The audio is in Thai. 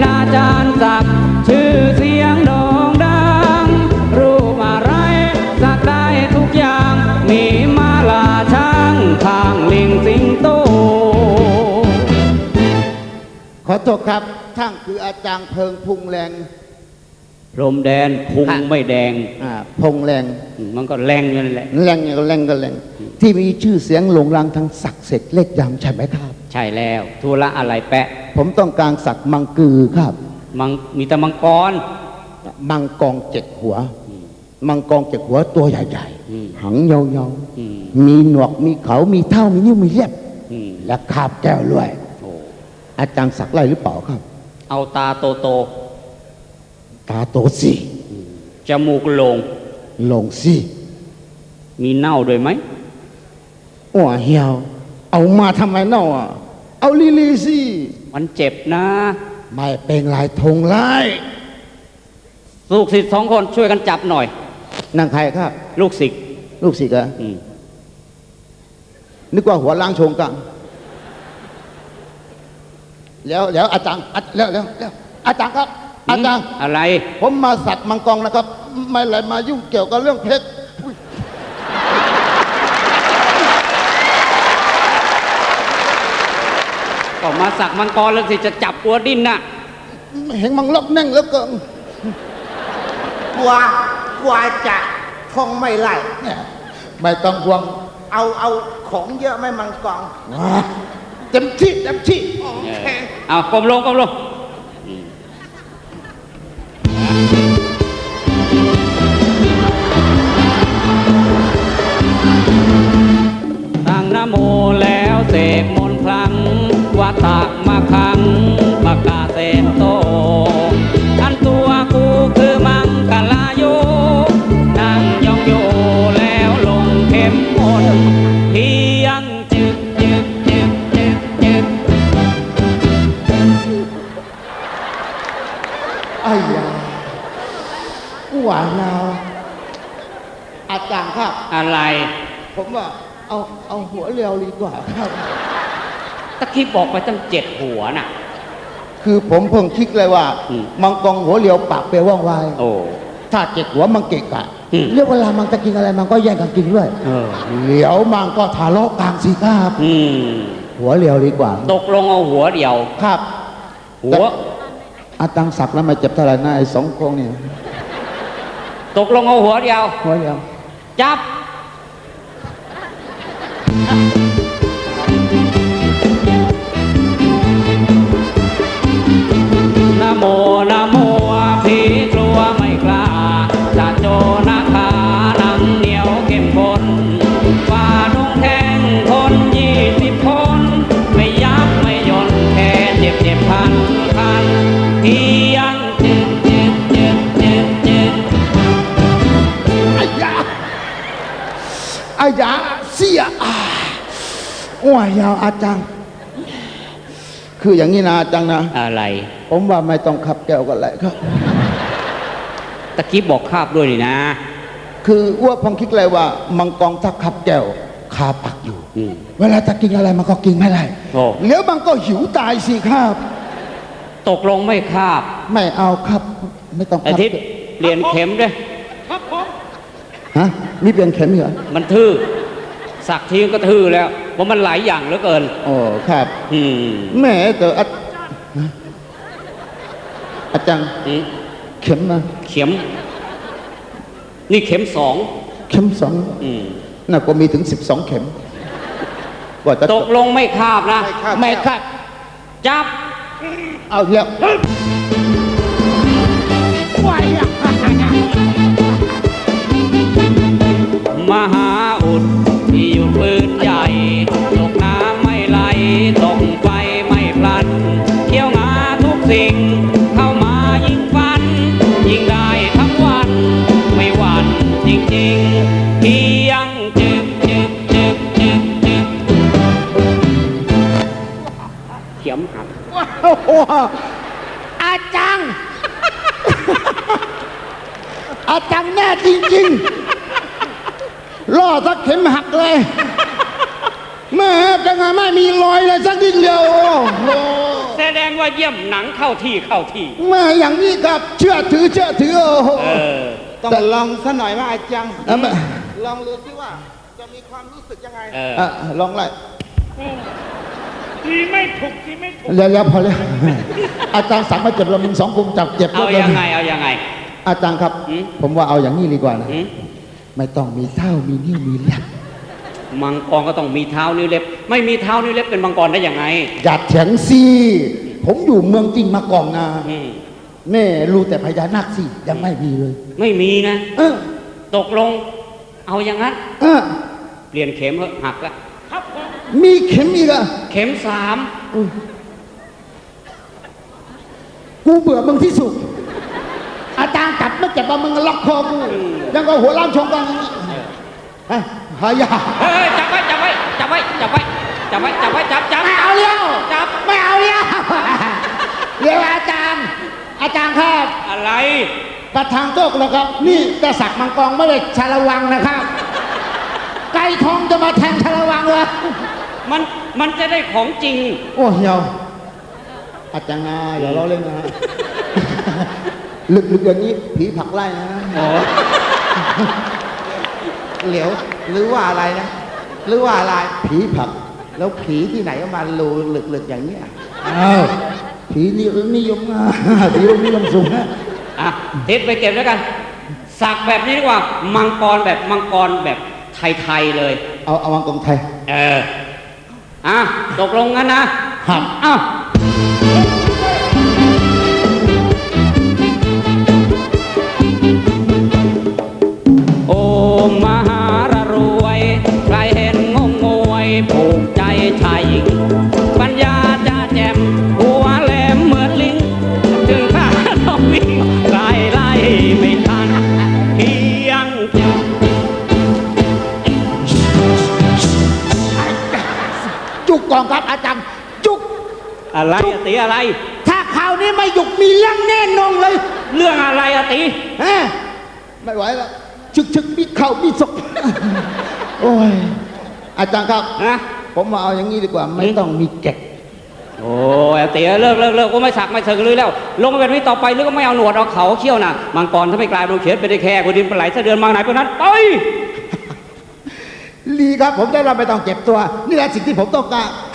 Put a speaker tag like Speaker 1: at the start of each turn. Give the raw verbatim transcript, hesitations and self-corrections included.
Speaker 1: อาจารย์ศักดิ์ชื่อเสียงโด่งดังรูปอะไรสักได้ทุกอย่างมีมาลาช้างทางลิงสิงโต
Speaker 2: ขอโทษครับท่านคืออาจารย์เพิงพุงแรง
Speaker 1: พรมแดนพุงไม่แดง
Speaker 2: อ่าพงแรง
Speaker 1: มันก็แรงอยู่นั่นแหละ
Speaker 2: แรงก็แรงก็แรงที่มีชื่อเสียงโด่งดังทั้งศักดิ์เสร็จเล็กยำใช่ไหมครับ
Speaker 1: ใช่แล้วธุระอะไรแปะ
Speaker 2: ผมต้องการสักมังกือครับ
Speaker 1: มังมีแต่มังกร
Speaker 2: มังกรเจ็ดหัวมังกรเจ็ดหัวตัวใหญ่ๆหางยาวๆมีหนวกมีเขามีเท่ามีนิ้วมีเล็บและคาบแก้วด้วยอาจารย์สักไรหรือเปล่าครับ
Speaker 1: เอาตาโตโต
Speaker 2: ตาโตสิ
Speaker 1: จมูกโลง
Speaker 2: โลงสิ
Speaker 1: มีเน่าด้วยไหม
Speaker 2: อ้วเหี่ยวเอามาทำไมเน่าอ่ะเอาลีลีสิ
Speaker 1: มันเจ็บนะ
Speaker 2: ไม่เป็นไรทงไล่
Speaker 1: ลูกศิษย์สองคนช่วยกันจับหน่อย
Speaker 2: นั่งใครครับ
Speaker 1: ลูกศิษย์
Speaker 2: ลูกศิษย์อะนึกว่าหัวล้างชงกันแล้วแล้วอาจารย์แล้วแล้วแล้วอาจารย์ครับอาจารย์
Speaker 1: อะไร
Speaker 2: ผมมาสัตว์มังกรนะครับไม่อะไรมายุ่งเกี่ยวกับเรื่องเพชร
Speaker 1: ก็มาสักมังกรแล้วสิจะจับหัวดิ้นน่ะ
Speaker 2: เห็นมังล็อกแน่งแล้วก็
Speaker 3: กลัวกลัวจะท่องไม่ไล่
Speaker 2: ไม่ต้องห่วง
Speaker 3: เอาเอาของเยอะไม่มังกร
Speaker 2: เต็มที่เต็มที่
Speaker 1: เอาก้มลงก้มลงตั้งนะโมแล้วเสกมนต์ครั้งวัตตะมาคังปากกาเซนโตอันตัวกูคือมังกลาโยนั่งยองโยแล้วลงเข้มมนต์เพียงจึกจึกจึกจึกจึก
Speaker 2: ไอ้ยาหวานนาวอาจารย์ครับ
Speaker 1: อะไร
Speaker 2: ผมว่าเอาเอาหัวเรียวดีกว่าครับ
Speaker 1: ตะกี้บอกไปตั้งเจ็ดหัวน่ะ
Speaker 2: คือผมเพิ่งคิดเลยว่ามังกรหัวเรียวปากเปรี้ยวว่องไว
Speaker 1: โอ้
Speaker 2: ถ้าเจ็ดหัวมังเกะกะเรียกเวลามันจะกินอะไรมันก็แย่งกันกินด้วยเหลียวมังก็ทะเลาะกันสิครับหัวเรียวดีกว่า
Speaker 1: ตกลงเอาหัวเดียว
Speaker 2: ครับ
Speaker 1: หัว
Speaker 2: อาตังศักดิ์แล้วมาเจ็บเท่าไหร่นะไอ้สองโคงนี่
Speaker 1: ตกลงเอาหัวเดียว
Speaker 2: หัวเดียว
Speaker 1: จับนะโมนะโมผีกลัวไม่กล้าจะโจนาคาหนังเหนียวเข้มข้นฝ่าดงแทงคนยี่สิบคนไม่ยับไม่ย่นแค่เจ็บเจ็บพันพันที่ยังจึกจึกจึกจึกจึก
Speaker 2: อายาอายาเสียอ้วยยาวอาจารย์คืออย่างนี้นะอาจารย์นะ
Speaker 1: อะไร
Speaker 2: ผมว่าไม่ต้องขับแก้วกันเลยครับ
Speaker 1: ตะกี้บอกคาบด้วยนี่นะ
Speaker 2: คืออ้วพองคิดเลยว่ามังกรถ้าขับแก้วคาปักอยู่เวลาจะกินอะไรมันก็กินไม่ได้เดี๋ยวมันก็หิวตายสิครับ
Speaker 1: ตกลงไม่คาบ
Speaker 2: ไม่เอาครับไม่ต้อง
Speaker 1: อาทิตย์เปลี่ยนเข็มด้วย
Speaker 2: ครับผมฮะนี่เปลี่ยนเข็มเหรอ
Speaker 1: มันทื่อสักทีก็ทื่อแล้วเพราะมันหลายอย่างเหลือเกิน
Speaker 2: โอ้ครับ
Speaker 1: อืม
Speaker 2: แม่แต่อาจารย์เข็มนะ
Speaker 1: เข็มนี่เข็มสอง
Speaker 2: เข็มสองน่าก็มีถึงสิบสองเข็ม
Speaker 1: กว่าจะตกลงไม่คาบนะ
Speaker 2: ไม่คาบ
Speaker 1: จับ
Speaker 2: เอาเยอะ
Speaker 1: มหาอุดที่อยู่ปืนใหญ่ตกน้ำไม่ไหลตกไฟไม่พลันเที่ยวงาทุกสิ่งเข้ามายิงฟันยิงได้ทั้งวันไม่หวั่นจริงๆเพียงจึกจึกจึกจึกจึกเข็มหัก
Speaker 2: อาจังอาจังแน่จริงๆล่อสักเข็มหักเลยแม่จังไงไม่มีรอยเลยสักนิดเดียวโอ้โห
Speaker 1: เสร็ดงว่าเยี่ยมหนังเข้าที่เข้าที่
Speaker 2: มาอย่างนี้ครับเชื่อถือเชื่อถือโอ้โห
Speaker 1: เออ
Speaker 3: ต้องลองซะหน่อยว่าอาจารย์
Speaker 2: เอามา
Speaker 3: ลองดูสิว่าจะมีความรู้สึกยังไง
Speaker 1: เออ
Speaker 2: อ่ะลองไล่
Speaker 3: ทีไม่ถูกทีไม่ถูก
Speaker 2: แล้วแล้วพอแล้ว อาจารย์สั่งมาเจ็บเรามึงสองคนจับเจ็บ
Speaker 1: เอา
Speaker 2: แล้ว
Speaker 1: ยังไงเอายังไง
Speaker 2: อาจารย์ครับ
Speaker 1: หืม
Speaker 2: ผมว่าเอาอย่างนี้ดีกว่านะ
Speaker 1: หืม
Speaker 2: ไม่ต้องมีเท่ามีนิ้วมีเล็บ
Speaker 1: มังกรก็ต้องมีเท้านิ้วเล็บ ไม่มีเท้านิ้วเล็บเป็นมังกรได้ยังไง
Speaker 2: อย่าเถียงสิผมอยู่เมืองจริงมาก่อนนะ
Speaker 1: อืม
Speaker 2: แม่รู้แต่พญานาคสิยังไม่มีเลย
Speaker 1: ไม่มีนะ
Speaker 2: เออ
Speaker 1: ตกลง เอาอย่างนั้น
Speaker 2: เออ
Speaker 1: เปลี่ยนเข็มเหอะหักละ
Speaker 2: มีเข็มอีกอะ
Speaker 1: เข็มสาม
Speaker 2: อุ๊ยกูเบื่อมึงที่สุด อาจารย์จับไม่เจ็บมามึงล็อกคอกูยังก็หัวล้านชงกันอย่างนี้เฮ้ยหายา
Speaker 1: เฮ้ยจับไว้จับไว้จับไว้จับไว้จับไว้จับไว้จับจับ
Speaker 2: ไม่เอาเลี้ยว
Speaker 1: จับ
Speaker 2: ไม่เอาเลี้ยวเลี้ยวอาจารย์ อาจารย์ครับ
Speaker 1: อะไร
Speaker 2: ประธานโต๊ะนะครับ นี่จะสักมังกรไม่ได้ชาละวังนะครับ ไก่ทองจะมาแทงชาละวังเลย
Speaker 1: มันมันจะได้ของจริง
Speaker 2: โอ้เหี่ยวอาจารย์นะอย่าล้อเล่นนะฮะ ลึกๆอย่างนี้ผีผลักไล่นะ
Speaker 1: โอ้
Speaker 3: เหลียวหรือว่าอะไรนะ หรือว่าอะไร
Speaker 2: ผีผลัก
Speaker 3: แล้วผีที่ไหนก็มารูหลึกๆอย่างเนี้ย
Speaker 2: อ้าวผีนิยมนิยมอ่ะ ผีนิยมสูงนะ
Speaker 1: อ่ะทิศไปเก็บแล้วกัน สักแบบนี้ดีกว่า มังกรแบบมังกรแบบไทยๆเลย
Speaker 2: เอาเอามังกรไทย
Speaker 1: เออ อ่ะ ตกลงงั้นนะครับ อ้าวโอ้มหารรวย ใครเห็นงงงวยผูกใจชายหญิง ปัญญาจะแจ่มหัวแหลมเหมือนลิง ถึงข้าต้องวิ่งไล่ไล่ไม่ทันเพียงจะ
Speaker 2: จุกก่อนครับอาจารย์ จุก
Speaker 1: อะไรอะตีอะไร
Speaker 2: ถ้าคราวนี้ไม่หยุกมีเรื่องแน่นอนเลย
Speaker 1: เรื่องอะไรอะตี
Speaker 2: ฮะไม่ไหวแล้วชึกชึกมีเข่ามีศก โอ้ยอาจารย์ครับ
Speaker 1: นะ
Speaker 2: ผมมาเอาอย่างนี้ดีกว่า ไม่ต้องมีแกะ
Speaker 1: โอ้ยตีเลิกเลิกเลิกก็ไม่สักไม่เถิงเลยแล้ว ลงมาแบบนี้ต่อไปหรือก็ไม่เอาหนวดเอาเขาเขี้ยวน่ะ มังกรถ้าไม่กลายเป็นเขียนเป็นได้แค่คนดินปลาไหลเสะเดือนมาไหนพวกนั้นไป
Speaker 2: ลีครับผมได้เราไม่ต้องเจ็บตัว นี่แหละสิ่งที่ผมต้องการ